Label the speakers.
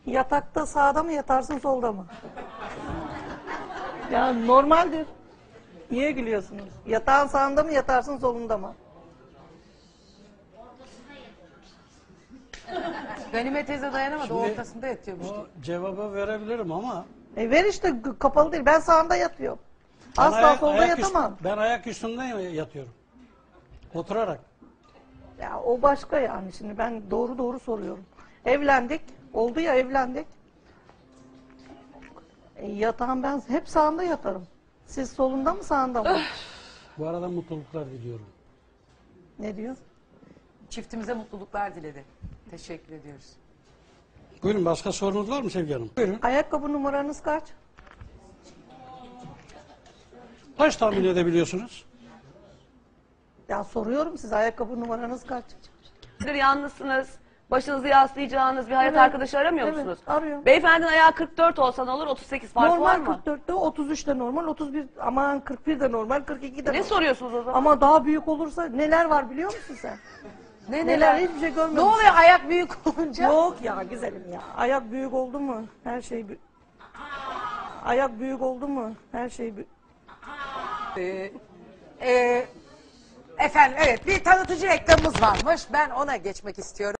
Speaker 1: Yatakta sağda mı yatarsın solda mı? Ya normaldir. Niye gülüyorsunuz? Yatağın sağında mı yatarsın solunda mı?
Speaker 2: Ganime teyze dayanamadı.
Speaker 3: Şimdi
Speaker 2: Ortasında yatıyormuş.
Speaker 3: O cevabı verebilirim ama
Speaker 1: Ver işte kapalı değil. Ben sağında yatıyorum. Asla solda yatamam.
Speaker 3: Ben ayak üstünde yatıyorum. Oturarak.
Speaker 1: Ya o başka yani. Şimdi ben doğru soruyorum. Evlendik. Oldu ya evlendik. Yatağım ben hep sağında yatarım. Siz solunda mı sağında mı?
Speaker 3: Bu arada mutluluklar diliyorum.
Speaker 1: Ne diyor?
Speaker 2: Çiftimize mutluluklar diledi. Teşekkür ediyoruz.
Speaker 3: Buyurun, başka sorunuz var mı Sevgi Hanım? Buyurun.
Speaker 1: Ayakkabı numaranız kaç?
Speaker 3: Kaç tahmin edebiliyorsunuz?
Speaker 1: Ya soruyorum size ayakkabı numaranız kaç?
Speaker 4: Yalnızsınız. Başınızı yaslayacağınız bir hayat
Speaker 1: Evet.
Speaker 4: arkadaşı aramıyor
Speaker 1: Evet,
Speaker 4: musunuz?
Speaker 1: arıyorum.
Speaker 4: Beyefendinin ayağı 44 olsa ne olur? 38 fark var
Speaker 1: Normal
Speaker 4: mı?
Speaker 1: 44'te 33 de normal 31 aman 41 de normal 42 de
Speaker 4: Ne
Speaker 1: normal.
Speaker 4: soruyorsunuz o zaman?
Speaker 1: Ama daha büyük olursa neler var biliyor musun sen? Neler hiçbir şey
Speaker 2: Ne
Speaker 1: görmemişsin.
Speaker 2: oluyor ayak büyük olunca?
Speaker 1: Yok ya güzelim ya. Ayak büyük oldu mu her şey ayak büyük oldu mu her şey
Speaker 2: Efendim evet bir tanıtıcı reklamımız varmış. Ben ona geçmek istiyorum.